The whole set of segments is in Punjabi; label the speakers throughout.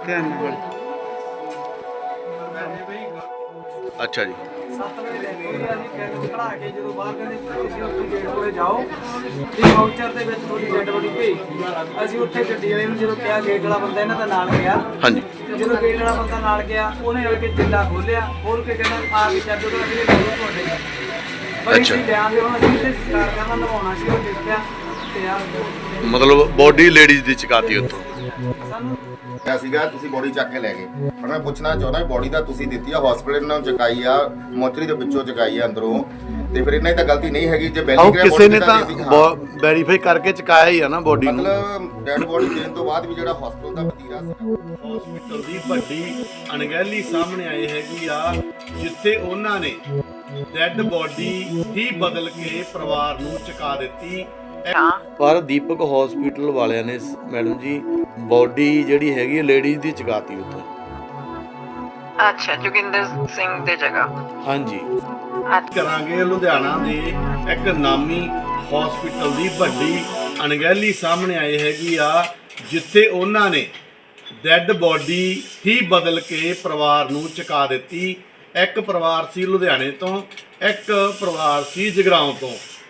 Speaker 1: अच्छा जी
Speaker 2: 7 ਵਜੇ ਲੈ ਗਏ ਅਸੀਂ ਕੈਨ ਖੜਾ ਕੇ ਜਦੋਂ ਬਾਹਰ ਕਹਿੰਦੇ ਤੁਸੀਂ ਉੱਥੇ ਗੇਟ ਕੋਲੇ ਜਾਓ ਤੇ ਵਾਊਚਰ ਦੇ ਵਿੱਚ ਥੋੜੀ ਡੈਡ ਬੋਡੀ ਭੇਜ ਅਸੀਂ ਉੱਥੇ ਗੱਡੀ ਵਾਲੇ ਨੂੰ ਜਦੋਂ ਕਿਹਾ ਗੇਟ ਵਾਲਾ ਬੰਦਾ ਇਹਨਾਂ ਦਾ ਨਾਲ ਗਿਆ
Speaker 1: हाँ जी
Speaker 2: ਤੇ ਜਦੋਂ ਗੇਟ ਵਾਲਾ ਬੰਦਾ ਨਾਲ ਗਿਆ ਉਹਨੇ ਆ ਕੇ ਜਿੰਦਾ ਖੋਲਿਆ ਖੋਲ ਕੇ ਕਹਿੰਦਾ ਆ ਕੇ ਚੱਲ ਜਦੋਂ ਅਗਲੇ ਨੂੰ ਤੁਹਾਡੇ ਪਰ
Speaker 1: ਅੱਛਾ।
Speaker 2: ਅਸੀਂ ਬਿਆਨ ਦੇ ਹੁਣ ਅਸੀਂ ਤੇ ਸਰਕਾਰ ਕਰਨਾ ਨਵਾਉਣਾ ਸੀ ਉਹ ਦੇਖਿਆ ਤੇ ਆ
Speaker 1: मतलब बॉडी लेडीज दी चकाती उत्तों
Speaker 2: ਸਾਨੂੰ
Speaker 3: ਕਿਹਾ ਸੀਗਾ ਤੁਸੀਂ ਬੋਡੀ ਚੱਕ ਕੇ ਲੈ ਗਏ ਹੁਣ ਮੈਂ ਪੁੱਛਣਾ ਚਾਹੁੰਦਾ ਬੋਡੀ ਤਾਂ ਤੁਸੀਂ ਦਿੱਤੀ ਆ ਹਸਪੀਟਲ ਨਾਲ ਚਕਾਈ ਆ ਮੋਚਰੀ ਦੇ ਵਿੱਚੋਂ ਚਕਾਈ ਆ ਅੰਦਰੋਂ ਤੇ ਫਿਰ ਇਹਨਾਂ ਦੀ ਤਾਂ ਗਲਤੀ ਨਹੀਂ ਹੈਗੀ ਜੇ
Speaker 1: ਆਹ
Speaker 3: ਬੈਲੀ
Speaker 1: ਕਿਸੇ ਨੇ ਤਾਂ ਵੈਰੀਫਾਈ ਕਰਕੇ ਚਕਾਇਆ ਹੀ ਆ ਨਾ ਬੋਡੀ ਨੂੰ
Speaker 3: ਮਤਲਬ ਡੈਡ ਬੋਡੀ ਦੇਣ ਤੋਂ ਬਾਅਦ ਵੀ ਜਿਹੜਾ ਹਸਪੀਟਲ ਦਾ ਵਤੀਰਾ ਸੀ
Speaker 4: ਹਸਪੀਟਲ ਦੀ ਵੱਡੀ ਅਣਗਹਿਲੀ ਸਾਹਮਣੇ ਆਈ ਹੈਗੀ ਆ ਜਿੱਥੇ ਉਹਨਾਂ ਨੇ ਡੈੱਡ ਬੋਡੀ ਹੀ ਬਦਲ ਕੇ ਪਰਿਵਾਰ ਨੂੰ ਚੁਕਾ ਦਿੱਤੀ।
Speaker 1: ਪਰ ਦੀਪਕ ਹਸਪੀਟਲ ਵਾਲਿਆਂ ਨੇ ਮੈਡਮ ਜੀ ਬੋਡੀ ਜਿਹੜੀ ਹੈਗੀ ਲੇਡੀਜ਼ ਦੀ ਚਕਾਤੀ ਉੱਥੇ।
Speaker 5: ਅੱਛਾ ਜੋਗਿੰਦਰ ਸਿੰਘ ਦੇ ਜਗ੍ਹਾ
Speaker 1: ਹਾਂਜੀ
Speaker 4: ਕਰਾਂਗੇ ਲੁਧਿਆਣਾ ਦੇ ਇੱਕ ਨਾਮੀ ਹਸਪੀਟਲ ਦੀ ਵੱਡੀ ਅਣਗਹਿਲੀ ਸਾਹਮਣੇ ਆਈ ਹੈਗੀ ਆ ਜਿੱਥੇ ਉਹਨਾਂ ਨੇ ਡੈੱਡ ਬੋਡੀ ਹੀ ਬਦਲ ਕੇ ਪਰਿਵਾਰ ਨੂੰ ਚੁਕਾ ਦਿੱਤੀ। ਇੱਕ ਪਰਿਵਾਰ ਸੀ ਲੁਧਿਆਣੇ ਤੋਂ, ਇੱਕ ਪਰਿਵਾਰ ਸੀ ਜਗਰਾਉਂ ਤੋਂ।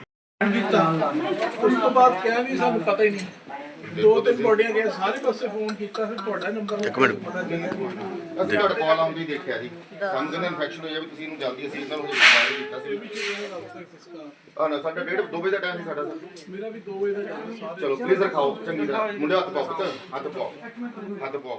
Speaker 6: ਉਸ ਤੋਂ ਬਾਅਦ ਕਿਹਾ ਵੀ ਸਾਨੂੰ ਪਤਾ ਹੀ ਨਹੀਂ 2-3 ਬੋਡੀਆਂ ਗਏ ਸਾਰੇ ਪਾਸੇ ਫੋਨ ਕੀਤਾ ਫਿਰ ਤੁਹਾਡਾ ਨੰਬਰ
Speaker 1: ਇੱਕ ਮਿੰਟ
Speaker 3: ਅਸੀਂ ਤੁਹਾਡਾ ਕਾਲ ਆਉਂਦੀ ਦੇਖਿਆ ਜੀ ਸਾਨੂੰ ਕਹਿੰਦੇ ਇਨਫੈਕਸ਼ਨ ਹੋ ਜਾਵੇ ਤੁਸੀਂ ਇਹਨੂੰ ਜਲਦੀ ਅਸੀਂ ਇਹਨਾਂ ਨੂੰ ਰਿਕਵਾਇਰ ਕੀਤਾ ਸੀ ਆ ਨਾ ਸਾਡਾ 2 ਵਜੇ ਦਾ ਟਾਈਮ ਸੀ ਸਾਡਾ ਸਰ
Speaker 6: ਮੇਰਾ ਵੀ 2 ਵਜੇ ਦਾ time ਸਾਰੇ
Speaker 3: ਚਲੋ ਪਲੀਜ਼ ਰਖਾਓ ਚੰਗੀ ਤਰ੍ਹਾਂ ਮੁੰਡੇ ਹੱਥ ਪਾਓ ਪੁੱਤ ਹੱਥ ਪਾਓ ਹੱਥ ਪਾਓ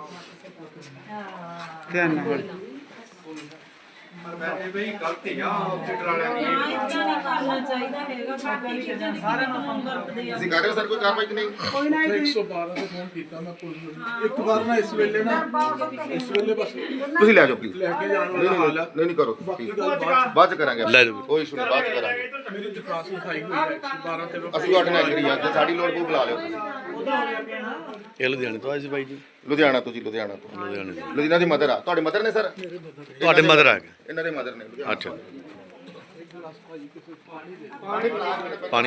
Speaker 3: ਤੁਸੀਂ ਕਰ ਰਹੇ ਹੋ ਸਰ ਕੋਈ ਕਾਰਵਾਈ ਕਿ ਨਹੀਂ
Speaker 6: 112 ਤੇ ਫੋਨ ਕੀਤਾ ਮੈਂ ਪੁਲਿਸ ਨੂੰ ਇੱਕ ਵਾਰ ਨਾ ਇਸ ਵੇਲੇ ਬਸ
Speaker 3: ਤੁਸੀਂ ਲੈ ਜਾਓ ਪਲੀਜ਼
Speaker 6: ਲੈ ਕੇ ਜਾਣ ਵਾਲਾ ਹਾਲ ਆ
Speaker 3: ਨਹੀਂ ਕਰੋ
Speaker 6: ਬਾਕੀ ਗੱਲ ਬਾਅਦ
Speaker 3: ਬਾਅਦ ਚ ਕਰਾਂਗੇ
Speaker 1: ਲੈ ਜਾਓ।
Speaker 3: ਕੋਈ ਇਸ਼ੂ ਨਹੀਂ ਬਾਅਦ ਚ ਕਰਾਂਗੇ
Speaker 6: ਚ ਮੇਰੀ ਦਰਖਾਸਤ ਲਿਖਾਈ ਹੋਈ ਹੈ 112 ਤੇ
Speaker 3: ਅਸੀਂ ਤੁਹਾਡੇ ਨਾਲ ਐਗਰੀ ਆ ਜੇ ਸਾਡੀ ਲੋੜ ਕੋਈ ਬੁਲਾ ਲਿਓ ਤੁਸੀਂ
Speaker 1: ਇਹ ਲੁਧਿਆਣੇ ਤੋਂ ਆਏ ਸੀ ਬਾਈ ਜੀ
Speaker 3: ਲੁਧਿਆਣਾ ਤੋਂ ਜੀ ਲੁਧਿਆਣਾ ਤੋਂ
Speaker 1: ਲੁਧਿਆਣੇ ਤੋਂ।
Speaker 3: ਲੁਧਿਆਣਾ ਦੀ ਮਦਰ ਆ ਤੁਹਾਡੇ ਮਦਰ ਨੇ ਸਰ
Speaker 1: ਤੁਹਾਡੇ ਮਦਰ ਆ ਗਏ
Speaker 3: ਇਹਨਾਂ ਦੇ ਮਦਰ ਨੇ ਲੁਧਿਆਣਾ
Speaker 1: ਅੱਛਾ ਪਾਣੀ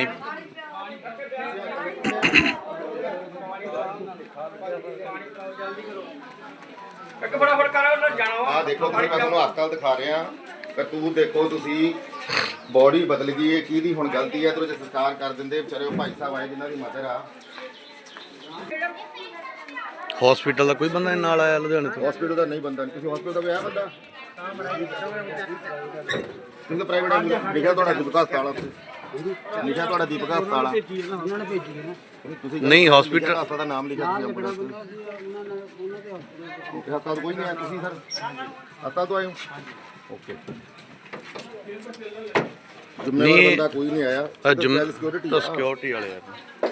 Speaker 3: ਆ ਦੇਖੋ ਤੁਸੀਂ ਮੈਂ ਤੁਹਾਨੂੰ ਹਸਪਤਾਲ ਦਿਖਾ ਰਿਹਾ ਕਰਤੂਤ ਦੇਖੋ ਤੁਸੀਂ ਬੋਡੀ ਬਦਲ ਗਈ ਹੈ ਕਿਹਦੀ ਹੁਣ ਗਲਤੀ ਹੈ ਤੇ ਉਹ ਜੇ ਸੰਸਕਾਰ ਕਰ ਦਿੰਦੇ ਵਿਚਾਰੇ ਉਹ ਭਾਈ ਸਾਹਿਬ ਆਏ ਜਿਨ੍ਹਾਂ ਦੀ ਮਦਰ ਆ
Speaker 1: ਹਸਪੀਟਲ ਦਾ ਕੋਈ ਬੰਦਾ ਨਾਲ ਆਇਆ ਲੁਧਿਆਣੇ ਤੋਂ?
Speaker 3: ਹਸਪੀਟਲ ਦਾ ਨਹੀਂ ਬੰਦਾ ਤੁਸੀਂ ਹਸਪੀਟਲ ਦਾ ਵੀ ਆਇਆ ਬੰਦਾ ਤੁਸੀਂ ਤਾਂ ਪ੍ਰਾਈਵੇਟ ਲਿਖਿਆ ਤੁਹਾਡਾ ਦੀਪਕ ਹਸਪਤਾਲ ਆ ਉੱਥੇ ਲਿਖਿਆ ਤੁਹਾਡਾ ਦੀਪਕ ਹਸਪਤਾਲ ਆ
Speaker 2: ਉਹਨਾਂ ਨੇ ਭੇਜੀ ਹੈ
Speaker 3: ਤੁਸੀਂ
Speaker 1: ਨਹੀਂ ਹਸਪੀਟਲ
Speaker 3: ਹਸਪਤਾਲ ਦਾ ਨਾਮ ਲਿਖਿਆ ਤੁਸੀਂ ਆਪਣਾ ਹਸਪਤਾਲ ਕੋਈ ਨਹੀਂ ਆਇਆ ਤੁਸੀਂ ਸਰ ਹਸਪਤਾਲ ਤੋਂ ਆਏ ਹੋ ਓਕੇ ਜ਼ਿੰਮੇਵਾਰ ਬੰਦਾ ਕੋਈ ਨਹੀਂ ਆਇਆ ਸਿਕਿਉਰਿਟੀ
Speaker 1: ਤਾਂ ਸਿਕਿਉਰਿਟੀ ਵਾਲੇ ਆ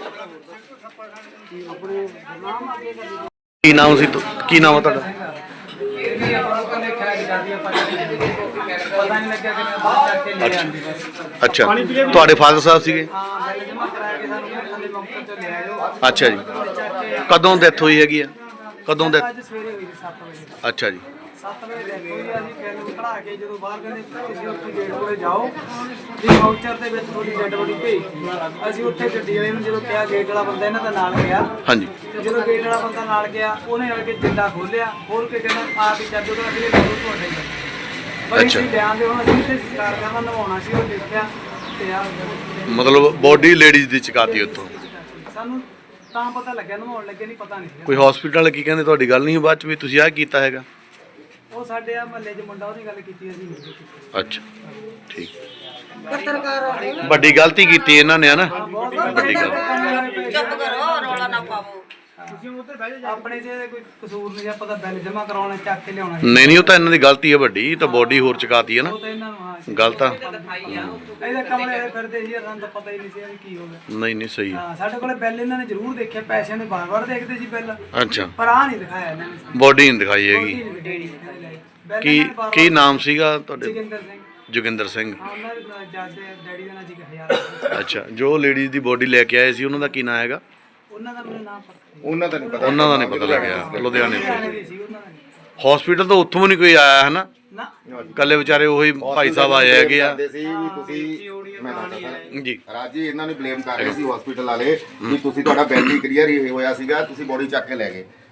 Speaker 1: ਕੀ ਨਾਮ ਸੀ ਕੀ ਨਾਮ ਆ ਤੁਹਾਡਾ?
Speaker 2: ਇਹ ਆਪਾਂ ਨੂੰ ਕਹਿੰਦੇ ਖਰਾਈ ਕਰਦੀ ਆ ਪਤਾ ਨਹੀਂ ਲੱਗਿਆ ਕਿ ਮੈਂ ਬਾਹਰ ਚੱਕ ਕੇ ਲੈ ਆਂਦੀ ਬਸ
Speaker 1: ਅੱਛਾ ਤੁਹਾਡੇ ਫਾਦਰ ਸਾਹਿਬ ਸੀਗੇ?
Speaker 2: ਹਾਂ ਬਿੱਲ ਜਮਾ ਕਰਾਇਆ ਕਿ ਸਾਨੂੰ ਕਹਿੰਦੇ ਥੱਲੇ ਮੌਕੇ ਤੋਂ ਲੈ ਆਇਓ
Speaker 1: ਅੱਛਾ ਜੀ
Speaker 2: ਚੱਕ ਕੇ
Speaker 1: ਕਦੋਂ ਡੈਥ ਹੋਈ ਹੈਗੀ ਆ ਕਦੋਂ ਡੈਥ?
Speaker 2: ਅੱਜ ਸਵੇਰੇ ਹੋਈ 7 ਵਜੇ
Speaker 1: ਅੱਛਾ ਜੀ
Speaker 2: 7 ਵਜੇ ਲੈ ਗਏ ਅਸੀਂ ਕੈਨ ਖੜਾ ਕੇ ਜਦੋਂ ਬਾਹਰ ਕਹਿੰਦੇ ਤੁਸੀਂ ਉੱਥੇ ਗੇਟ ਕੋਲੇ ਜਾਓ ਤੇ ਵਾਊਚਰ ਦੇ ਵਿੱਚ ਥੋੜੀ ਡੈਡ ਬੋਡੀ ਭੇਜ ਅਸੀਂ ਉੱਥੇ ਗੱਡੀ ਵਾਲੇ ਨੂੰ ਜਦੋਂ ਕਿਹਾ ਗੇਟ ਵਾਲਾ ਬੰਦਾ ਇਹਨਾਂ ਦਾ ਨਾਲ ਗਿਆ
Speaker 1: ਹਾਂਜੀ
Speaker 2: ਤੇ ਜਦੋਂ ਗੇਟ ਵਾਲਾ ਬੰਦਾ ਨਾਲ ਗਿਆ ਉਹਨੇ ਆ ਕੇ ਜਿੰਦਾ ਖੋਲਿਆ ਖੋਲ ਕੇ ਕਹਿੰਦਾ ਆ ਵੀ ਚੱਲ ਜਦੋਂ ਅਗਲੇ ਨੂੰ ਤੁਹਾਡੇ ਪਰ
Speaker 1: ਅੱਛਾ।
Speaker 2: ਅਸੀਂ ਬਿਆਨ ਦੇ ਹੁਣ ਅਸੀਂ ਤੇ ਸਰਕਾਰ ਕਰਨਾ ਨਵਾਉਣਾ ਸੀ ਉਹ ਦੇਖਿਆ ਤੇ ਆ
Speaker 1: ਮਤਲਬ ਬੋਡੀ ਲੇਡੀਜ਼ ਦੀ ਚਕਾਤੀ ਉੱਥੋਂ।
Speaker 2: ਸਾਨੂੰ ਤਾਂ ਪਤਾ ਲੱਗਿਆ ਨਵਾਉਣ ਲੱਗੇ ਨਹੀਂ ਪਤਾ ਨਹੀਂ ਸੀਗਾ।
Speaker 1: ਕੋਈ ਹਸਪੀਟਲ ਵਾਲੇ ਕੀ ਕਹਿੰਦੇ ਤੁਹਾਡੀ ਗੱਲ ਨਹੀਂ ਬਾਅਦ ਚ ਵੀ ਤੁਸੀਂ ਆਹ ਕੀਤਾ ਹੈਗਾ?
Speaker 2: ਉਹ ਸਾਡੇ ਆ ਮਹੱਲੇ 'ਚ ਮੁੰਡਾ ਉਹਦੀ ਗੱਲ ਕੀਤੀ ਅਸੀਂ ਨਹੀਂ ਕੀਤੀ
Speaker 1: ਅੱਛਾ ਠੀਕ ਵੱਡੀ ਗਲਤੀ ਕੀਤੀ ਇਹਨਾਂ ਨੇ ਹਨਾ ਵੱਡੀ ਗੱਲ
Speaker 5: ਚੁੱਪ ਕਰੋ ਰੌਲਾ ਨਾ ਪਾਵੋ।
Speaker 2: ਆਪਣੇ ਜੇ ਕੋਈ ਕਸੂਰ ਨਹੀਂ ਆਪਾਂ ਤਾਂ ਬਿੱਲ ਜਮਾ ਕਰਾਉਣਾ ਚੱਕ ਕੇ ਲਿਆਉਣਾ
Speaker 1: ਨਹੀਂ ਨਹੀਂ ਉਹ ਤਾਂ ਇਹਨਾਂ ਦੀ ਗਲਤੀ ਹੈ ਵੱਡੀ ਤਾਂ ਬੋਡੀ ਹੋਰ ਚਕਾਤੀ ਹੈ ਨਾ
Speaker 2: ਉਹ ਤਾਂ ਇਹਨਾਂ ਨੂੰ ਹਾਂ
Speaker 1: ਗੱਲ ਤਾਂ
Speaker 2: ਇਹਦੇ ਕਮਲੇ ਫਿਰਦੇ ਸੀ ਸਾਨੂੰ ਤਾਂ ਪਤਾ ਹੀ ਨਹੀਂ ਸੀ ਵੀ ਕੀ ਹੋ ਗਿਆ
Speaker 1: ਨਹੀਂ ਨਹੀਂ ਸਹੀ ਹੈ।
Speaker 2: ਹਾਂ ਸਾਡੇ ਕੋਲੇ ਬਿੱਲ ਇਹਨਾਂ ਨੇ ਜ਼ਰੂਰ ਦੇਖਿਆ ਪੈਸਿਆਂ ਦੇ ਵਾਰ-ਵਾਰ ਦੇਖਦੇ ਸੀ ਬਿੱਲ
Speaker 1: ਅੱਛਾ
Speaker 2: ਪਰ ਆ ਨਹੀਂ ਦਿਖਾਇਆ ਇਹਨਾਂ ਨੇ ਸਾਨੂੰ।
Speaker 1: ਬੋਡੀ ਨਹੀਂ ਦਿਖਾਈ ਹੈਗੀ
Speaker 2: ਬਿੱਲ
Speaker 1: ਕੀ
Speaker 2: ਇਹਨਾਂ ਨੇ ਵਾਰ-ਵਾਰ
Speaker 1: ਕੀ ਨਾਮ ਸੀਗਾ ਤੁਹਾਡੇ?
Speaker 2: ਜੋਗਿੰਦਰ ਸਿੰਘ
Speaker 1: ਜੋਗਿੰਦਰ ਸਿੰਘ।
Speaker 2: ਹਾਂ ਉਹਨਾਂ ਦੇ ਜੱਜ ਦੇ ਡੈਡੀ ਦਾ ਨਾਂ ਜੀ 1000
Speaker 1: ਅੱਛਾ ਜੋ ਲੇਡੀਜ਼ ਦੀ ਬੋਡੀ ਲੈ ਕੇ ਆਏ ਸੀ ਉਹਨਾਂ ਦਾ ਕੀ ਨਾਮ ਹੈਗਾ?
Speaker 2: ਉਹਨਾਂ ਦਾ ਮੈਨੂੰ ਨਾਮ ਪਤਾ
Speaker 3: ਉਹਨਾਂ ਦਾ ਨਹੀਂ ਪਤਾ
Speaker 1: ਉਹਨਾਂ ਦਾ ਨਹੀਂ ਪਤਾ ਲੱਗਿਆ ਲੁਧਿਆਣੇ ਤੋਂ।
Speaker 2: ਨਹੀਂ ਸੀ ਉਹਨਾਂ ਦਾ ਨਹੀਂ।
Speaker 1: ਹਸਪੀਟਲ ਤੋਂ ਉੱਥੋਂ ਵੀ ਨਹੀਂ ਕੋਈ ਆਇਆ ਹੈ ਨਾ
Speaker 2: ਨਾ
Speaker 1: ਕੱਲੇ ਵਿਚਾਰੇ ਉਹੀ ਭਾਈ ਸਾਹਿਬ ਆਏ ਹੈਗੇ ਆ
Speaker 3: ਕਹਿੰਦੇ ਸੀ ਵੀ ਤੁਸੀਂ ਮੈਂ ਦੱਸਦਾ ਸਰ
Speaker 1: ਜੀ
Speaker 3: ਰਾਜੀ ਇਹਨਾਂ ਨੇ ਬਲੇਮ ਕਰ ਰਹੇ ਸੀ ਹਸਪੀਟਲ ਵਾਲੇ ਵੀ ਤੁਸੀਂ ਤੁਹਾਡਾ ਬਿੱਲ ਨਹੀਂ ਕਲੀਅਰ ਹੀ ਹੋਇਆ ਸੀਗਾ ਤੁਸੀਂ ਬੋਡੀ ਚੱਕ ਕੇ ਲੈ ਗਏ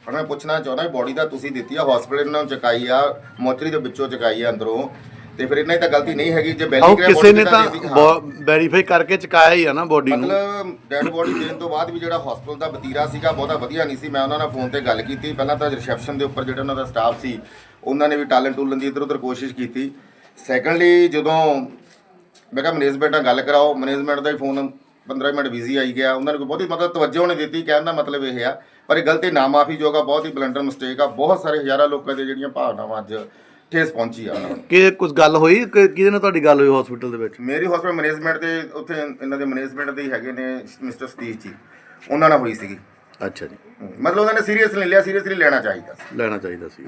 Speaker 3: ਹੁਣ ਮੈਂ ਪੁੱਛਣਾ ਚਾਹੁੰਦਾ ਬੋਡੀ ਦਾ ਤੁਸੀਂ ਦਿੱਤੀ ਆ ਹਸਪੀਟਲ ਨੂੰ ਚੁਕਾਈ ਆ ਮੋਚਰੀ ਦੇ ਵਿੱਚੋਂ ਚੁਕਾਈ ਆ ਅੰਦਰੋਂ ਤੇ ਫਿਰ ਇਹਨਾਂ ਦੀ ਤਾਂ ਗਲਤੀ ਨਹੀਂ ਹੈਗੀ ਜੇ
Speaker 1: ਆਓ
Speaker 3: ਬੈਲੀ
Speaker 1: ਕਿਸੇ ਨੇ ਤਾਂ ਵੈਰੀਫਾਈ ਕਰਕੇ ਚਕਾਇਆ ਹੀ ਆ ਨਾ ਬੋਡੀ ਨੂੰ।
Speaker 3: ਮਤਲਬ ਡੈਡ ਬੋਡੀ ਦੇਣ ਤੋਂ ਬਾਅਦ ਵੀ ਜਿਹੜਾ ਹਸਪੀਟਲ ਦਾ ਵਤੀਰਾ ਸੀਗਾ ਬਹੁਤਾ ਵਧੀਆ ਨਹੀਂ ਸੀ। ਮੈਂ ਉਹਨਾਂ ਨਾਲ ਫੋਨ ਤੇ ਗੱਲ ਕੀਤੀ, ਪਹਿਲਾਂ ਤਾਂ ਰਿਸੈਪਸ਼ਨ ਦੇ ਉੱਪਰ ਜਿਹੜਾ ਉਹਨਾਂ ਦਾ ਸਟਾਫ ਸੀ ਉਹਨਾਂ ਨੇ ਵੀ ਟਾਲਣ ਟੂਲਣ ਦੀ ਇੱਧਰ ਉੱਧਰ ਕੋਸ਼ਿਸ਼ ਕੀਤੀ। ਸੈਕੰਡਲੀ ਜਦੋਂ ਮੈਂ ਕਿਹਾ ਮੈਨੇਜਮੈਂਟ ਨਾਲ ਗੱਲ ਕਰਾਓ, ਮੈਨੇਜਮੈਂਟ ਦਾ ਹੀ ਫੋਨ 15 ਮਿੰਟ ਬਿਜ਼ੀ ਆਈ ਗਿਆ, ਉਹਨਾਂ ਨੇ ਕੋਈ ਬਹੁਤੀ ਮਤਲਬ ਤਵੱਜੋ ਨਹੀਂ ਦਿੱਤੀ। ਕਹਿਣ ਦਾ ਮਤਲਬ ਇਹ ਆ ਪਰ ਇਹ ਗਲਤੀ ਨਾ ਮਾਫੀਯੋਗ ਆ, ਬਹੁਤ ਹੀ ਬਲੰਡਰ ਮਿਸਟੇਕ ਆ। ਬਹੁਤ ਸਾਰੇ ਹਜ਼ਾਰਾਂ ਲੋਕਾਂ ਦੀਆਂ ਜਿਹੜੀਆਂ ਭਾਵਨਾਵਾਂ ਅੱਜ ਠੇਸ ਪਹੁੰਚੀ ਆ ਉਹਨਾਂ ਨੂੰ।
Speaker 1: ਕਿ ਕੁਝ ਗੱਲ ਹੋਈ ਕਿਹਦੇ ਨਾਲ ਤੁਹਾਡੀ ਗੱਲ ਹੋਈ ਹਸਪੀਟਲ ਦੇ ਵਿੱਚ?
Speaker 3: ਮੇਰੀ ਹਸਪੀਟਲ ਮੈਨੇਜਮੈਂਟ ਦੇ ਉੱਥੇ ਇਹਨਾਂ ਦੇ ਮੈਨੇਜਮੈਂਟ ਦੇ ਹੀ ਹੈਗੇ ਨੇ ਮਿਸਟਰ ਸਤੀਸ਼ ਜੀ, ਉਹਨਾਂ ਨਾਲ ਹੋਈ ਸੀਗੀ।
Speaker 1: ਅੱਛਾ ਜੀ,
Speaker 3: ਮਤਲਬ ਉਹਨਾਂ ਨੇ ਸੀਰੀਅਸ ਨਹੀਂ ਲਿਆ, ਸੀਰੀਅਸਲੀ ਲੈਣਾ ਚਾਹੀਦਾ ਸੀ।
Speaker 1: ਲੈਣਾ ਚਾਹੀਦਾ ਸੀ।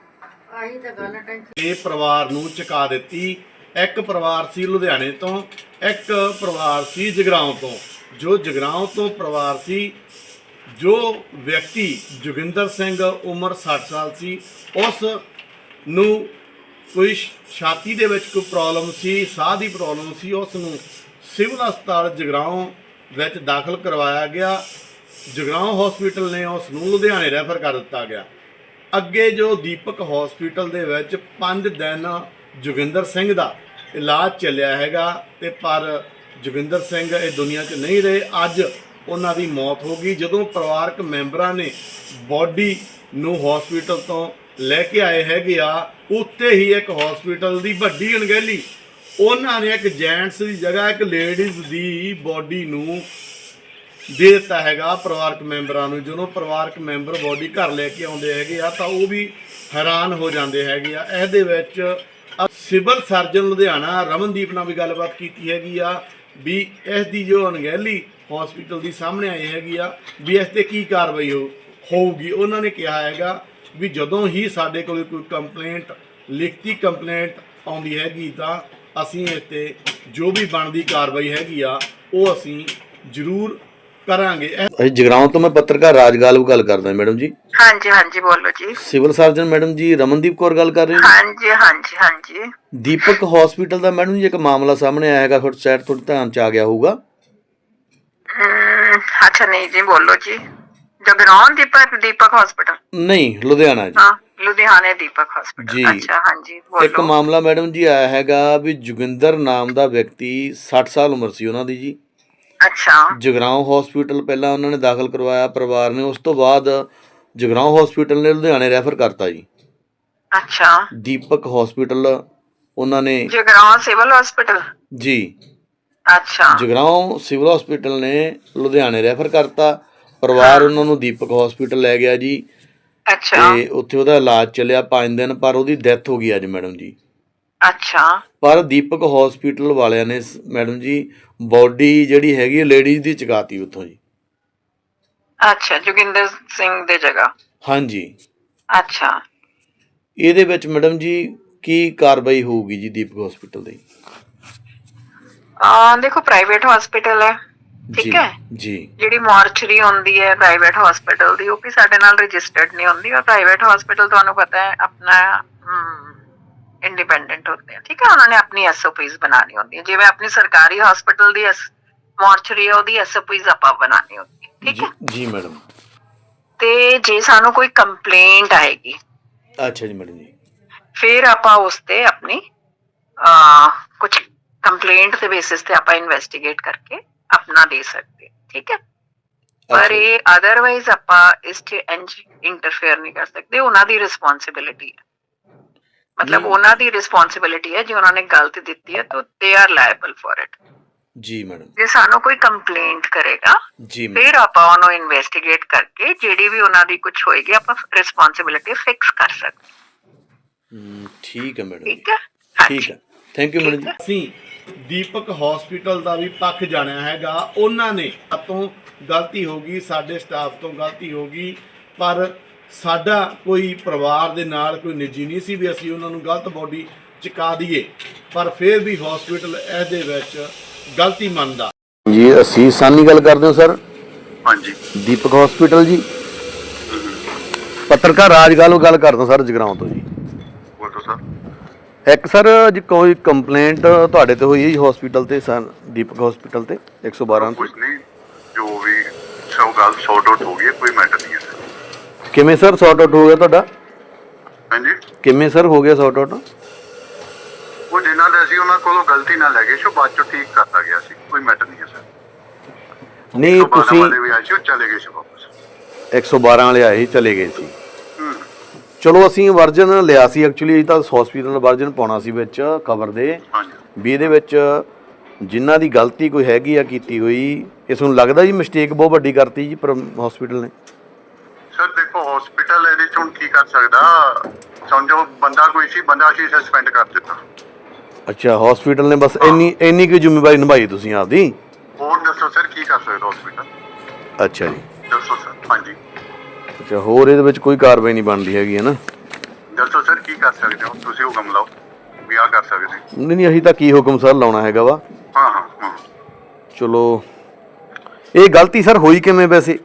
Speaker 4: ਇਹ ਪਰਿਵਾਰ ਨੂੰ ਚੁਕਾ ਦਿੱਤੀ। ਇੱਕ ਪਰਿਵਾਰ ਸੀ ਲੁਧਿਆਣੇ ਤੋਂ, ਇੱਕ ਪਰਿਵਾਰ ਸੀ ਜਗਰਾਉਂ ਤੋਂ। ਜੋ ਜਗਰਾਉਂ ਤੋਂ ਪਰਿਵਾਰ ਸੀ, ਜੋ ਵਿਅਕਤੀ ਜੋਗਿੰਦਰ ਸਿੰਘ ਉਮਰ 60 ਸਾਲ ਸੀ, ਉਸ ਨੂੰ ਕੋਈ ਛਾਤੀ ਦੇ ਵਿੱਚ ਕੋਈ ਪ੍ਰੋਬਲਮ ਸੀ, ਸਾਹ ਦੀ ਪ੍ਰੋਬਲਮ ਸੀ। ਉਸ ਨੂੰ ਸਿਵਲ ਹਸਪਤਾਲ ਜਗਰਾਉਂ ਵਿੱਚ ਦਾਖਲ ਕਰਵਾਇਆ ਗਿਆ। ਜਗਰਾਉਂ ਹਸਪੀਟਲ ਨੇ ਉਸ ਨੂੰ ਲੁਧਿਆਣੇ ਰੈਫਰ ਕਰ ਦਿੱਤਾ ਗਿਆ। ਅੱਗੇ ਜੋ ਦੀਪਕ ਹਸਪੀਟਲ ਦੇ ਵਿੱਚ 5 ਦਿਨ ਜੋਗਿੰਦਰ ਸਿੰਘ ਦਾ ਇਲਾਜ ਚੱਲਿਆ ਹੈਗਾ ਤੇ ਪਰ ਜੋਗਿੰਦਰ ਸਿੰਘ ਇਹ ਦੁਨੀਆ 'ਚ ਨਹੀਂ ਰਹੇ। ਅੱਜ ਉਹਨਾਂ ਦੀ ਮੌਤ ਹੋ ਗਈ। ਜਦੋਂ ਪਰਿਵਾਰਕ ਮੈਂਬਰਾਂ ਨੇ ਬੋਡੀ ਨੂੰ ਹਸਪੀਟਲ ਤੋਂ ਲੈ ਕੇ ਆਏ ਹੈਗੇ ਆ, ਉੱਤੇ ਹੀ ਇੱਕ ਹਸਪੀਟਲ ਦੀ ਵੱਡੀ ਅਣਗਹਿਲੀ, ਉਹਨਾਂ ਨੇ ਇੱਕ ਜੈਂਟਸ ਦੀ ਜਗ੍ਹਾ ਇੱਕ ਲੇਡੀਜ਼ ਦੀ ਬੋਡੀ ਨੂੰ ਦੇ ਦਿੱਤਾ ਹੈਗਾ ਪਰਿਵਾਰਕ ਮੈਂਬਰਾਂ ਨੂੰ। ਜਦੋਂ ਪਰਿਵਾਰਕ ਮੈਂਬਰ ਬੋਡੀ ਘਰ ਲੈ ਕੇ ਆਉਂਦੇ ਹੈਗੇ ਆ ਤਾਂ ਉਹ ਵੀ ਹੈਰਾਨ ਹੋ ਜਾਂਦੇ ਹੈਗੇ ਆ। ਇਹਦੇ ਵਿੱਚ ਸਿਵਲ ਸਰਜਨ ਲੁਧਿਆਣਾ ਰਮਨਦੀਪ ਨਾਲ ਵੀ ਗੱਲਬਾਤ ਕੀਤੀ ਹੈਗੀ ਆ ਵੀ ਇਸ ਦੀ ਜੋ ਅਣਗਹਿਲੀ ਹਸਪੀਟਲ ਦੀ ਸਾਹਮਣੇ ਆਈ ਹੈਗੀ ਆ ਵੀ ਇਸ ਤੇ ਕੀ ਕਾਰਵਾਈ ਹੋਊਗੀ। ਉਹਨਾਂ ਨੇ ਕਿਹਾ ਹੈਗਾ ਵੀ ਜਦੋਂ ਹੀ ਸਾਡੇ ਕੋਲ ਕੋਈ ਕੰਪਲੇਂਟ, ਲਿਖਤੀ ਕੰਪਲੇਂਟ ਆਉਂਦੀ ਹੈਗੀ ਤਾਂ ਅਸੀਂ ਇਸ ਤੇ ਜੋ ਵੀ ਬਣਦੀ ਕਾਰਵਾਈ ਹੈਗੀ ਆ ਉਹ ਅਸੀਂ ਜ਼ਰੂਰ ਕਰਾਂਗੇ।
Speaker 1: ਅਸੀਂ ਜਗਰਾਉਂ ਤੋਂ ਮੈਂ ਪੱਤਰਕਾਰ ਰਾਜਗਾਲਵ ਗੱਲ ਕਰਦਾ ਮੈਡਮ ਜੀ।
Speaker 5: ਹਾਂਜੀ ਹਾਂਜੀ ਬੋਲੋ ਜੀ।
Speaker 1: ਸਿਵਲ ਸਰਜਨ ਮੈਡਮ ਜੀ ਰਮਨਦੀਪ ਕੌਰ ਗੱਲ ਕਰ ਰਹੇ ਹੋ?
Speaker 5: ਹਾਂਜੀ ਹਾਂਜੀ ਹਾਂਜੀ।
Speaker 1: ਦੀਪਕ ਹਸਪੀਟਲ ਦਾ ਮੈਡਮ ਜੀ ਇੱਕ ਮਾਮਲਾ ਸਾਹਮਣੇ ਆਇਆ ਹੈਗਾ, ਤੁਹਾਡੇ ਸ਼ਾਇਦ ਤੁਹਾਡੇ ਧਿਆਨ 'ਚ ਆ ਗਿਆ ਹੋਊਗਾ।
Speaker 5: ਅੱਛਾ ਨਹੀਂ ਜੀ ਬੋਲੋ ਜੀ। ਜਗਰਾਉਂ ਦੀਪਕ ਹਸਪੀਟਲ
Speaker 1: ਨਹੀਂ, ਲੁਧਿਆਣਾ ਜੀ।
Speaker 5: ਹਾਂ ਲੁਧਿਆਣੇ ਦੀਪਕ ਹਸਪੀਟਲ।
Speaker 1: ਜੀ।
Speaker 5: ਅੱਛਾ ਹਾਂਜੀ ਬੋਲੋ।
Speaker 1: ਇੱਕ ਮਾਮਲਾ ਮੈਡਮ ਜੀ ਆਇਆ ਹੈਗਾ ਵੀ ਜੋਗਿੰਦਰ ਨਾਮ ਦਾ ਵਿਅਕਤੀ 60 ਸਾਲ ਉਮਰ ਸੀ ਉਹਨਾਂ ਦੀ ਜੀ।
Speaker 5: ਅੱਛਾ।
Speaker 1: ਜਗਰਾਉਂ ਹਸਪੀਟਲ ਪਹਿਲਾਂ ਉਹਨਾਂ ਨੇ ਦਾਖਲ ਕਰਵਾਇਆ ਪਰਿਵਾਰ ਨੇ, ਉਸ ਤੋਂ ਬਾਅਦ ਜਗਰਾਉਂ ਹਸਪੀਟਲ ਨੇ ਲੁਧਿਆਣੇ ਰੈਫਰ ਕਰਤਾ ਜੀ।
Speaker 5: ਅੱਛਾ।
Speaker 1: ਦੀਪਕ ਹਸਪੀਟਲ ਉਹਨਾਂ ਨੇ
Speaker 5: ਜਗਰਾਉਂ ਸਿਵਲ ਹਸਪੀਟਲ
Speaker 1: ਜੀ।
Speaker 5: ਅੱਛਾ।
Speaker 1: ਜਗਰਾਉਂ ਸਿਵਲ ਹਸਪੀਟਲ ਨੇ ਲੁਧਿਆਣੇ ਰੈਫਰ ਕਰਤਾ। ਪਰਿਵਾਰ ਉਹਨਾਂ ਨੂੰ ਦੀਪਕ ਹਸਪੀਟਲ ਲੈ ਗਿਆ ਜੀ
Speaker 5: ਅੱਛਾ।
Speaker 1: ਤੇ ਉੱਥੇ ਉਹਦਾ ਇਲਾਜ ਚੱਲਿਆ 5 ਦਿਨ, ਪਰ ਉਹਦੀ ਡੈਥ ਹੋ ਗਈ ਅੱਜ ਮੈਡਮ ਜੀ।
Speaker 5: ਅੱਛਾ।
Speaker 1: ਪਰ ਦੀਪਕ ਹਸਪੀਟਲ ਵਾਲਿਆਂ ਨੇ ਮੈਡਮ ਜੀ ਬੋਡੀ ਜਿਹੜੀ ਹੈਗੀ ਲੇਡੀਜ਼ ਦੀ ਚੁਕਾਤੀ ਉੱਥੋਂ ਜੀ।
Speaker 5: ਅੱਛਾ ਜੋਗਿੰਦਰ ਸਿੰਘ ਦੇ ਜਗ੍ਹਾ।
Speaker 1: ਹਾਂਜੀ।
Speaker 5: ਅੱਛਾ।
Speaker 1: ਇਹਦੇ ਵਿੱਚ ਮੈਡਮ ਜੀ ਕੀ ਕਾਰਵਾਈ ਹੋਊਗੀ ਜੀ ਦੀਪਕ ਹਸਪੀਟਲ ਦੀ?
Speaker 5: ਦੇਖੋ ਪ੍ਰਾਈਵੇਟ ਹਸਪੀਟਲ ਹੈ, ਠੀਕ ਹੈ
Speaker 1: ਜੀ।
Speaker 5: ਜਿਹੜੀ ਮਾਰਚਰੀ ਹੁੰਦੀ ਹੈ ਪ੍ਰਾਈਵੇਟ ਹਸਪੀਟਲ ਦੀ, ਉਹ ਵੀ ਸਾਡੇ ਨਾਲ ਰਜਿਸਟਰਡ ਨਹੀਂ ਹੁੰਦੀ। ਔਰ ਪ੍ਰਾਈਵੇਟ ਹਸਪੀਟਲ ਤੁਹਾਨੂੰ ਪਤਾ ਹੈ ਆਪਣਾ ਇੰਡੀਪੈਂਡੈਂਟ ਹੁੰਦੇ ਆ, ਠੀਕ ਹੈ। ਉਹਨਾਂ ਨੇ ਆਪਣੀ ਐਸਓਪੀਜ਼ ਬਣਾਉਣੀ ਹੁੰਦੀ ਹੈ। ਜਿਵੇਂ ਆਪਣੀ ਸਰਕਾਰੀ ਹਸਪੀਟਲ ਦੀ ਮਾਰਚਰੀ ਹੈ, ਉਹਦੀ ਐਸਓਪੀਜ਼ ਆਪਾਂ ਬਣਾਉਣੀ ਹੁੰਦੀ ਹੈ, ਠੀਕ ਹੈ
Speaker 1: ਜੀ ਮੈਡਮ।
Speaker 5: ਤੇ ਜੇ ਸਾਨੂੰ ਕੋਈ ਕੰਪਲੇਂਟ ਆਏਗੀ,
Speaker 1: ਅੱਛਾ ਜੀ ਮੈਡਮ ਜੀ,
Speaker 5: ਫਿਰ ਆਪਾਂ ਉਸ ਤੇ ਆਪਣੀ ਕੁਝ ਕੰਪਲੇਂਟ ਦੇ ਬੇਸਿਸ ਤੇ ਆਪਾਂ ਇਨਵੈਸਟੀਗੇਟ ਕਰਕੇ ਆਪਣਾ ਦੇ ਸਕਦੇ, ਠੀਕ ਹੈ। ਪਰ ਇਹ ਅਦਰਵਾਈਜ਼ ਆਪਾਂ ਇਸ 'ਚ ਇੰਟਰਫੇਅਰ ਨਹੀਂ ਕਰ ਸਕਦੇ। ਉਹਨਾਂ ਦੀ ਰਿਸਪੌਂਸਿਬਿਲਿਟੀ ਹੈ, ਮਤਲਬ ਉਹਨਾਂ ਦੀ ਰਿਸਪੌਂਸਿਬਿਲਿਟੀ ਹੈ। ਜੇ ਉਹਨਾਂ ਨੇ ਗਲਤ ਦਿੱਤੀ ਹੈ ਤਾਂ they are liable for it.
Speaker 1: ਜੀ ਮੈਡਮ।
Speaker 5: ਜੇ ਸਾਨੂੰ ਕੋਈ ਕੰਪਲੇਂਟ ਕਰੇਗਾ
Speaker 1: ਜੀ
Speaker 5: ਫਿਰ ਆਪਾਂ ਉਹਨੂੰ ਇਨਵੈਸਟੀਗੇਟ ਕਰਕੇ ਜਿਹੜੀ ਵੀ ਉਹਨਾਂ ਦੀ ਕੁਝ ਹੋਏਗੀ ਆਪਾਂ ਰਿਸਪੌਂਸਿਬਿਲਿਟੀ ਫਿਕਸ ਕਰ ਸਕਦੇ।
Speaker 1: ਠੀਕ ਹੈ ਮੈਡਮ।
Speaker 5: ਠੀਕ ਹੈ।
Speaker 1: ਠੀਕ ਹੈ, ਥੈਂਕ ਯੂ ਮੈਡਮ ਜੀ।
Speaker 4: ਅਸੀਂ ਦੀਪਕ ਹਸਪੀਟਲ ਦਾ ਵੀ ਪੱਖ ਜਾਣਿਆ ਹੈਗਾ। ਉਹਨਾਂ ਨੇ ਤੋਂ ਗਲਤੀ ਹੋ ਗਈ, ਸਾਡੇ ਸਟਾਫ ਤੋਂ ਗਲਤੀ ਹੋ ਗਈ, ਪਰ ਸਾਡਾ ਕੋਈ ਪਰਿਵਾਰ ਦੇ ਨਾਲ ਕੋਈ ਨਿੱਜੀ ਨਹੀਂ ਸੀ ਵੀ ਅਸੀਂ ਉਹਨਾਂ ਨੂੰ ਗਲਤ ਬੋਡੀ ਚੁਕਾ ਦਈਏ। ਪਰ ਫਿਰ ਵੀ ਹਸਪੀਟਲ ਇਹਦੇ ਵਿੱਚ ਗਲਤੀ ਮੰਨਦਾ
Speaker 1: ਜੀ। ਅਸੀਂ ਸਾਨੀ ਗੱਲ ਕਰਦੇ ਹਾਂ ਸਰ।
Speaker 7: ਹਾਂਜੀ
Speaker 1: ਦੀਪਕ ਹਸਪੀਟਲ ਜੀ। ਪੱਤਰਕਾਰ ਰਾਜਗਾਲਵ ਗੱਲ ਕਰਦਾ ਸਰ ਜਗਰਾਉਂ ਤੋਂ ਜੀ।
Speaker 7: ਬੋਲੋ ਸਰ।
Speaker 1: ਇੱਕ ਸਰ ਜੀ ਕੋਈ ਕੰਪਲੇਂਟ ਤੁਹਾਡੇ ਤੇ ਹੋਈ ਹੈ ਜੀ ਹਸਪੀਟਲ ਤੇ, ਸਰ ਦੀਪਕ ਹਸਪੀਟਲ ਤੇ 112
Speaker 7: ਕੁਝ ਨਹੀਂ, ਜੋ ਵੀ ਸਭ ਗੱਲ ਸੌਟ ਆਊਟ ਹੋ ਗਈ, ਕੋਈ ਮੈਟਰ ਨਹੀਂ ਹੈ ਸਰ।
Speaker 1: ਕਿਵੇਂ ਸਰ ਸੌਟ ਆਊਟ ਹੋ ਗਿਆ ਤੁਹਾਡਾ?
Speaker 7: ਹਾਂਜੀ,
Speaker 1: ਕਿਵੇਂ ਸਰ ਹੋ ਗਿਆ ਸੌਟ ਆਊਟ?
Speaker 7: ਉਹ ਜਿਨ੍ਹਾਂ ਦੇ ਅਸੀਂ ਉਹਨਾਂ ਕੋਲੋਂ ਗਲਤੀ ਨਾਲ ਲੈ ਗਏ ਸੀ, ਉਹ ਬਾਅਦ ਚੋਂ ਠੀਕ ਕਰਤਾ ਗਿਆ ਸੀ, ਕੋਈ ਮੈਟਰ ਨਹੀਂ ਹੈ ਸਰ।
Speaker 1: ਨਹੀਂ ਤੁਸੀਂ
Speaker 7: ਵਾਲੇ ਵੀ ਆਏ ਸੀ, ਉਹ ਚਲੇ ਗਏ ਸੀ ਵਾਪਸ।
Speaker 1: 112 ਵਾਲੇ ਆਏ ਸੀ, ਚਲੇ ਗਏ ਸੀ।
Speaker 7: ਹੂੰ।
Speaker 1: ਚਲੋ ਅਸੀਂ ਵਰਜਨ ਲਿਆ ਸੀ ਐਕਚੁਅਲੀ, ਤਾਂ ਹਸਪੀਟਲ ਦਾ ਵਰਜਨ ਪਾਉਣਾ ਸੀ ਵਿੱਚ ਖਬਰ ਦੇ
Speaker 7: ਹਾਂਜੀ
Speaker 1: ਵੀ ਇਹਦੇ ਵਿੱਚ ਜਿਨ੍ਹਾਂ ਦੀ ਗਲਤੀ ਕੋਈ ਹੈਗੀ ਆ ਕੀਤੀ ਹੋਈ, ਇਸ ਨੂੰ ਲੱਗਦਾ ਜੀ ਮਿਸਟੇਕ ਬਹੁਤ ਵੱਡੀ ਕਰਤੀ ਜੀ ਪਰ ਹਸਪੀਟਲ ਨੇ।
Speaker 7: ਸਰ ਦੇਖੋ, ਹਸਪੀਟਲ ਇਹਦੇ ਚ ਹੁਣ ਕੀ ਕਰ ਸਕਦਾ? ਸਮਝੋ ਬੰਦਾ ਕੋਈ ਸੀ, ਬੰਦਾ ਅਸੀਂ ਸਸਪੈਂਡ ਕਰ ਦਿੱਤਾ।
Speaker 1: ਅੱਛਾ, ਹਸਪੀਟਲ ਨੇ ਬਸ ਇੰਨੀ ਕੁ ਜ਼ਿੰਮੇਵਾਰੀ ਨਿਭਾਈ ਤੁਸੀਂ ਆਪਦੀ।
Speaker 7: ਹੋਰ ਦੱਸੋ ਸਰ, ਕੀ ਕਰ ਸਕਦਾ ਹਸਪੀਟਲ?
Speaker 1: ਅੱਛਾ ਜੀ,
Speaker 7: ਦੱਸੋ ਸਰ। ਹਾਂਜੀ,
Speaker 1: ਅੱਛਾ, ਹੋਰ ਇਹਦੇ ਵਿੱਚ ਕੋਈ ਕਾਰਵਾਈ ਨਹੀਂ ਬਣਦੀ ਹੈਗੀ ਹੈ ਨਾ?
Speaker 7: ਦੱਸੋ ਸਰ, ਕੀ ਕਰ ਸਕਦੇ ਹੋ ਤੁਸੀਂ? ਹੁਕਮ ਲਾਓ ਵੀ ਆਹ ਕਰ ਸਕਦੇ।
Speaker 1: ਨਹੀਂ ਅਸੀਂ ਤਾਂ ਕੀ ਹੁਕਮ ਸਰ ਲਾਉਣਾ ਹੈਗਾ ਵਾ।
Speaker 7: ਹਾਂ ਹਾਂ ਹਾਂ।
Speaker 1: ਚਲੋ ਇਹ ਗਲਤੀ ਸਰ ਹੋਈ ਕਿਵੇਂ ਵੈਸੇ?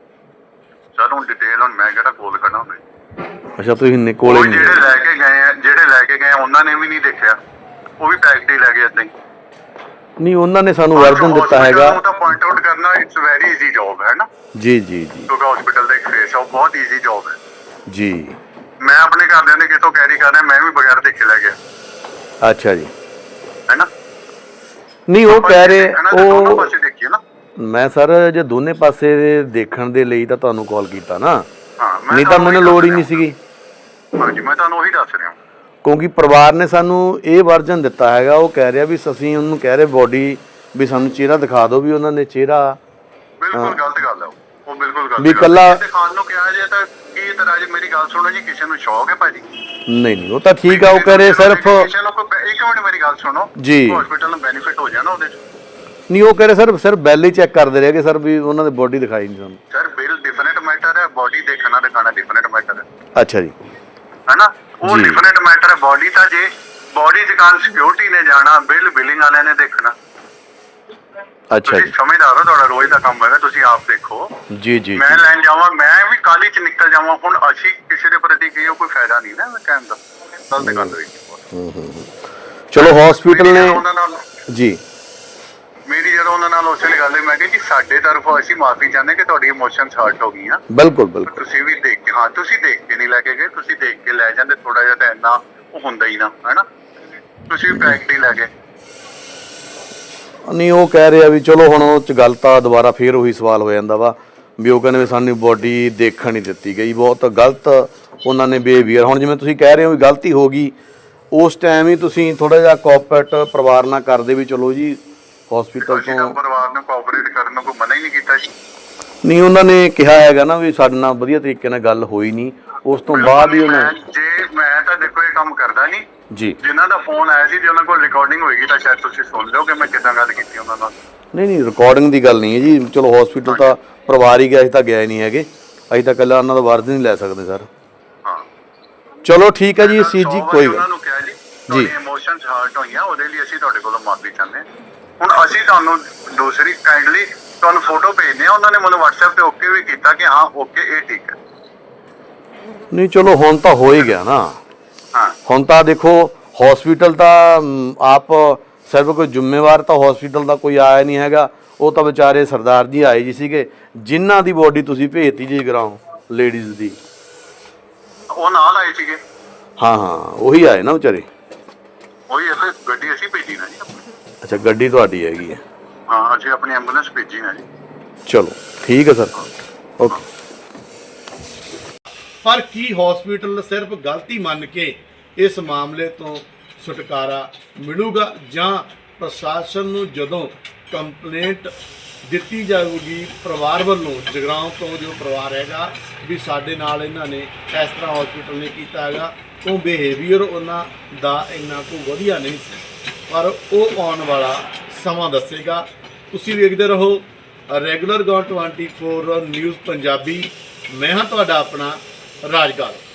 Speaker 7: ਸਰ ਹੁਣ ਡਿਟੇਲ ਹੁਣ ਮੈਂ ਕਿਹੜਾ ਕੋਲ ਕਰਨਾ ਹੁੰਦਾ?
Speaker 1: ਅੱਛਾ, ਤੁਸੀਂ ਕੋਲੇ
Speaker 7: ਉਹ
Speaker 1: ਨਹੀਂ
Speaker 7: ਜਿਹੜੇ ਲੈ ਕੇ ਗਏ ਆ, ਜਿਹੜੇ ਲੈ ਕੇ ਗਏ ਆ, ਉਹਨਾਂ ਨੇ ਵੀ ਨਹੀਂ ਦੇਖਿਆ, ਉਹ ਵੀ ਪੈਕਟ ਹੀ ਲੈ ਗਏ ਏਦਾਂ ਹੀ।
Speaker 1: ਨਹੀਂ, ਉਹਨਾਂ ਨੇ ਸਾਨੂੰ ਵਰਜਨ ਦਿੱਤਾ ਹੈਗਾ।
Speaker 7: ਉਹ ਤਾਂ ਪੁਆਇੰਟ ਆਊਟ ਕਰਨਾ ਇਟਸ ਵੈਰੀ ਈਜ਼ੀ ਜੌਬ ਹੈ ਨਾ।
Speaker 1: ਜੀ ਜੀ ਜੀ
Speaker 7: ਕਿਉਂਕਿ ਹਸਪੀਟਲ ਦਾ ਇੱਕ ਫੇਸ ਆ, ਉਹ ਬਹੁਤ ਈਜ਼ੀ ਜੌਬ ਹੈ।
Speaker 1: ਜੀ।
Speaker 7: ਮੈਂ ਆਪਣੇ ਘਰਦਿਆਂ ਨੇ ਕਿਤੋਂ ਕੈਰੀ ਕਰਨਾ, ਮੈਂ ਵੀ ਬਗੈਰ ਦੇਖੇ ਲੈ ਗਿਆ।
Speaker 1: ਅੱਛਾ ਜੀ।
Speaker 7: ਹੈ ਨਾ?
Speaker 1: ਨਹੀਂ ਉਹ ਕਹਿ ਰਹੇ
Speaker 7: ਦੋਨੋਂ
Speaker 1: ਉਹ
Speaker 7: ਪਾਸੇ ਦੇਖੀਏ ਨਾ।
Speaker 1: ਮੈਂ ਸਰ ਜੇ ਦੋਨੇ ਪਾਸੇ ਦੇਖਣ ਦੇ ਲਈ ਤਾਂ ਤੁਹਾਨੂੰ ਕਾਲ ਕੀਤਾ ਨਾ,
Speaker 7: ਹਾਂ,
Speaker 1: ਨਹੀਂ ਤਾਂ ਮੈਨੂੰ ਲੋੜ ਹੀ ਨਹੀਂ ਸੀਗੀ।
Speaker 7: ਹਾਂਜੀ, ਮੈਂ ਤੁਹਾਨੂੰ ਉਹੀ ਦੱਸ ਰਿਹਾ।
Speaker 1: ਕਿਉਂਕਿ ਪਰਿਵਾਰ ਨੇ ਸਾਨੂੰ ਇਹ ਵਰਜਨ ਦਿੱਤਾ ਹੈਗਾ, ਉਹ ਕਹਿ ਰਿਹਾ ਵੀ ਅਸੀਂ ਉਹਨੂੰ ਕਹਿ ਰਹੇ ਬੋਡੀ ਵੀ ਸਾਨੂੰ ਚਿਹਰਾ ਦਿਖਾ ਦਿਓ, ਵੀ ਉਹਨਾਂ ਨੇ ਚਿਹਰਾ
Speaker 7: ਬਿਲਕੁਲ ਗਲਤ ਗੱਲ ਹੈ ਉਹ ਬਿਲਕੁਲ ਗਲਤ
Speaker 1: ਵੀ ਇਕੱਲਾ
Speaker 7: ਖਾਨ ਨੂੰ ਕਿਹਾ ਜੇ ਤਾਂ ਕੀ ਤਰ੍ਹਾਂ ਜੀ? ਮੇਰੀ ਗੱਲ ਸੁਣੋ ਜੀ, ਕਿਸੇ ਨੂੰ ਸ਼ੌਕ ਹੈ ਭਾਜੀ?
Speaker 1: ਨਹੀਂ ਉਹ ਤਾਂ ਠੀਕ ਆ, ਉਹ ਕਹਿ ਰਹੇ ਸਿਰਫ
Speaker 7: ਕਿਸੇ ਨੂੰ ਇੱਕ ਮਿੰਟ ਮੇਰੀ ਗੱਲ ਸੁਣੋ
Speaker 1: ਜੀ।
Speaker 7: ਹਸਪੀਟਲ ਨੂੰ ਬੈਨੀਫਿਟ ਹੋ ਜਾਣਾ ਉਹਦੇ ਚ।
Speaker 1: ਨਹੀਂ ਉਹ ਕਹਿ ਰਹੇ ਸਿਰਫ ਬੈਲ ਹੀ ਚੈੱਕ ਕਰਦੇ ਰਹੇ ਕਿ ਸਰ ਵੀ ਉਹਨਾਂ ਦੇ ਬੋਡੀ ਦਿਖਾਈ ਨਹੀਂ ਸਾਨੂੰ।
Speaker 7: ਸਰ ਬਿਲ ਡਿਫਰੈਂਟ ਮੈਟਰ ਹੈ, ਬੋਡੀ ਦੇਖਣਾ ਦਿਖਾਣਾ ਡਿਫਰੈਂਟ ਮੈਟਰ ਹੈ।
Speaker 1: ਅੱਛਾ ਜੀ।
Speaker 7: ਹੈ ਨਾ? ਉਹ
Speaker 1: ਜੀ।
Speaker 7: ਡਿਫਰੈਂਟ ਮੈਟਰ ਹੈ। ਬੋਡੀ ਤਾਂ ਜੇ ਬੋਡੀ ਦੁਕਾਨ ਸਿਕਿਉਰਿਟੀ ਨੇ ਜਾਣਾ, ਬਿਲਿੰਗ ਵਾਲਿਆਂ ਨੇ ਦੇਖਣਾ।
Speaker 1: ਅੱਛਾ
Speaker 7: ਤੁਸੀਂ
Speaker 1: ਜੀ।
Speaker 7: ਸਮਝਦਾਰ ਹੋ, ਤੁਹਾਡਾ ਰੋਜ਼ ਦਾ ਕੰਮ ਹੈਗਾ, ਤੁਸੀਂ ਆਪ ਦੇਖੋ।
Speaker 1: ਜੀ ਜੀ
Speaker 7: ਮੈਂ ਲੈਣ ਜਾਵਾਂ, ਮੈਂ ਵੀ ਕਾਲੀ ਚ ਨਿਕਲ ਜਾਵਾਂ, ਹੁਣ ਅਸੀਂ ਕਿਸੇ ਦੇ ਪ੍ਰਤੀ ਕੀ ਕੋਈ ਫਾਇਦਾ ਨਹੀਂ ਨਾ ਕਹਿਣ ਦਾ। ਗਲਤ ਗੱਲ ਹੋਈ।
Speaker 1: ਚਲੋ ਹਸਪੀਟਲ ਨੇ
Speaker 7: ਉਹਨਾਂ ਨਾਲ
Speaker 1: ਜੀ
Speaker 7: ਮੇਰੀ ਜਦੋਂ ਉਹਨਾਂ ਨਾਲ ਉਸੇ ਲਈ ਗੱਲ ਹੈ, ਮੈਂ ਕਿਹਾ ਜੀ ਸਾਡੇ ਤਰਫੋਂ ਅਸੀਂ ਮਾਫੀ ਚਾਹੁੰਦੇ ਕਿ ਤੁਹਾਡੀ ਇਮੋਸ਼ਨਸ ਹਰਟ ਹੋ ਗਈਆਂ।
Speaker 1: ਬਿਲਕੁਲ ਬਿਲਕੁਲ।
Speaker 7: ਤੁਸੀਂ ਵੀ ਦੇਖ ਕੇ, ਹਾਂ ਤੁਸੀਂ ਦੇਖ ਕੇ ਨਹੀਂ ਲੈ ਕੇ ਗਏ, ਤੁਸੀਂ ਦੇਖ ਕੇ ਲੈ ਜਾਂਦੇ, ਥੋੜਾ ਜਿਹਾ ਤਾਂ ਇੰਨਾ ਉਹ ਹੁੰਦਾ ਹੀ ਨਾ, ਹੈ ਨਾ? ਤੁਸੀਂ ਵੀ ਪੈਕਟ ਹੀ ਲੈ ਗਏ।
Speaker 1: ਨਹੀਂ ਉਹ ਕਹਿ ਰਹੇ ਆ ਵੀ ਚਲੋ ਹੁਣ ਉਹ ਚ ਗੱਲ ਤਾਂ ਦੁਬਾਰਾ ਫੇਰ ਉਹੀ ਸਵਾਲ ਹੋ ਜਾਂਦਾ ਵਾ ਵੀ ਉਹ ਕਹਿੰਦੇ ਵੀ ਸਾਨੂੰ ਬੋਡੀ ਦੇਖਣ ਨਹੀਂ ਦਿੱਤੀ ਗਈ, ਬਹੁਤ ਗਲਤ ਉਹਨਾਂ ਨੇ ਬਿਹੇਵੀਅਰ। ਹੁਣ ਜਿਵੇਂ ਤੁਸੀਂ ਕਹਿ ਰਹੇ ਹੋ ਵੀ ਗਲਤੀ ਹੋ ਗਈ, ਉਸ ਟਾਈਮ ਹੀ ਤੁਸੀਂ ਥੋੜਾ ਜਿਹਾ ਕੋਆਪਰੇਟ ਪਰਿਵਾਰ ਨਾਲ ਕਰਦੇ ਵੀ ਚਲੋ ਜੀ ਹਸਪੀਟਲ
Speaker 7: ਅਸੀਂ ਤਾਂ
Speaker 1: ਤੋਂ।
Speaker 7: ਪਰਿਵਾਰ ਨੂੰ ਕੋਆਪਰੇਟ ਕਰਨ ਨੂੰ ਕੋਈ ਮਨਾ ਹੀ ਨਹੀਂ ਕੀਤਾ ਜੀ।
Speaker 1: ਨਹੀਂ ਉਹਨਾਂ ਨੇ ਕਿਹਾ ਹੈਗਾ ਨਾ ਵੀ ਸਾਡੇ ਨਾਲ ਵਧੀਆ ਤਰੀਕੇ ਨਾਲ ਗੱਲ ਹੋਈ ਨਹੀਂ, ਉਸ ਤੋਂ ਬਾਅਦ ਹੀ ਉਹਨਾਂ
Speaker 7: ਮੈਂ ਤਾਂ ਦੇਖੋ ਇਹ ਕੰਮ ਕਰਦਾ ਨਹੀਂ
Speaker 1: ਜੀ।
Speaker 7: ਜਿਨ੍ਹਾਂ ਦਾ ਫੋਨ ਆਇਆ ਸੀ, ਜੇ ਉਹਨਾਂ ਕੋਲ ਰਿਕਾਰਡਿੰਗ ਹੋਏਗੀ ਤਾਂ ਸ਼ਾਇਦ ਤੁਸੀਂ ਸੁਣ ਲਿਓ ਕਿ ਮੈਂ ਕਿੱਦਾਂ ਗੱਲ ਕੀਤੀ ਉਹਨਾਂ ਨਾਲ।
Speaker 1: ਨਹੀਂ ਰਿਕਾਰਡਿੰਗ ਦੀ ਗੱਲ ਨਹੀਂ ਹੈ ਜੀ। ਚਲੋ ਹਸਪੀਟਲ ਤਾਂ ਪਰਿਵਾਰ ਹੀ ਗਿਆ, ਅਸੀਂ ਤਾਂ ਗਿਆ ਹੀ ਨਹੀਂ ਹੈਗੇ, ਅਸੀਂ ਤਾਂ ਇਕੱਲਾ ਉਹਨਾਂ ਦਾ ਵਰਜ ਨਹੀਂ ਲੈ ਸਕਦੇ ਸਰ।
Speaker 7: ਹਾਂ
Speaker 1: ਚਲੋ ਠੀਕ ਹੈ ਜੀ ਸੀਤ ਜੀ, ਕੋਈ ਗੱਲ
Speaker 7: ਉਹਨਾਂ ਨੂੰ ਕਿਹਾ ਜੀ ਤੁਹਾਡੀ ਇਮੋਸ਼ਨਸ ਹਰਟ ਹੋਈਆਂ, ਉਹਦੇ ਲਈ ਅਸੀਂ ਤੁਹਾਡੇ ਕੋਲੋਂ ਮਾਫੀ ਚਾਹੁੰਦੇ ਹਾਂ। ਹੁਣ ਅਸੀਂ ਤੁਹਾਨੂੰ ਦੂਸਰੀ ਕਾਈਂਡਲੀ ਤੁਹਾਨੂੰ ਫੋਟੋ ਭੇਜਦੇ ਆ, ਉਹਨਾਂ ਨੇ ਮੈਨੂੰ WhatsApp ਤੇ ਓਕੇ ਵੀ ਕੀਤਾ ਕਿ ਹਾਂ ਓਕੇ ਇਹ ਠੀਕ ਹੈ।
Speaker 1: ਨਹੀਂ ਚਲੋ ਹੁਣ ਤਾਂ ਹੋ ਹੀ ਗਿਆ ਨਾ।
Speaker 7: ਹਾਂ
Speaker 1: ਹੁਣ ਤਾਂ ਦੇਖੋ ਹਸਪੀਟਲ ਤਾਂ ਆਪ ਸਿਰਫ ਕੋਈ ਜ਼ਿੰਮੇਵਾਰ ਤਾਂ ਹਸਪੀਟਲ ਦਾ ਕੋਈ ਆਇਆ ਨਹੀਂ ਹੈਗਾ, ਉਹ ਤਾਂ ਵਿਚਾਰੇ ਸਰਦਾਰ ਜੀ ਆਏ ਜੀ ਸੀਗੇ ਜਿਨ੍ਹਾਂ ਦੀ ਬੋਡੀ ਤੁਸੀਂ ਭੇਜਤੀ ਜੀ ਗਰਾਉਂ ਲੇਡੀਜ਼ ਦੀ।
Speaker 7: ਉਹ ਨਾਲ ਆਏ ਸੀਗੇ।
Speaker 1: ਹਾਂ ਉਹੀ ਆਏ ਨਾ ਵਿਚਾਰੇ।
Speaker 7: ਉਹੀ ਅਸੀਂ ਗੱਡੀ ਅਸੀਂ ਭੇਜੀ ਨਾ ਜੀ ਆਪਣੀ।
Speaker 1: ਅੱਛਾ ਗੱਡੀ ਤੁਹਾਡੀ ਹੈਗੀ ਹੈ?
Speaker 7: ਹਾਂ ਅਸੀਂ ਆਪਣੀ ਐਂਬੂਲੈਂਸ ਭੇਜੀ ਨਾ ਜੀ।
Speaker 1: ਚਲੋ ਠੀਕ ਹੈ ਸਰ, ਓਕੇ।
Speaker 4: ਪਰ ਕੀ ਹਸਪੀਟਲ ਸਿਰਫ ਗਲਤੀ ਮੰਨ ਕੇ ਇਸ ਮਾਮਲੇ ਤੋਂ ਛੁਟਕਾਰਾ ਮਿਲੂਗਾ, ਜਾਂ ਪ੍ਰਸ਼ਾਸਨ ਨੂੰ ਜਦੋਂ ਕੰਪਲੇਂਟ ਦਿੱਤੀ ਜਾਊਗੀ ਪਰਿਵਾਰ ਵੱਲੋਂ, ਜਗਰਾਉਂ ਤੋਂ ਜੋ ਪਰਿਵਾਰ ਹੈਗਾ ਵੀ ਸਾਡੇ ਨਾਲ ਇਹਨਾਂ ਨੇ ਇਸ ਤਰ੍ਹਾਂ ਹਸਪੀਟਲ ਨੇ ਕੀਤਾ ਹੈਗਾ, ਉਹ ਬਿਹੇਵੀਅਰ ਉਹਨਾਂ ਦਾ ਇੰਨਾ ਕੋਈ ਵਧੀਆ ਨਹੀਂ ਸੀ, ਪਰ ਉਹ ਆਉਣ ਵਾਲਾ ਸਮਾਂ ਦੱਸੇਗਾ। ਤੁਸੀਂ ਵੇਖਦੇ ਰਹੋ ਰੈਗੂਲਰ ਗੌ 24 ਨਿਊਜ਼ ਪੰਜਾਬੀ। ਮੈਂ ਹਾਂ ਤੁਹਾਡਾ ਆਪਣਾ ਰਾਜਗੜ੍ਹ।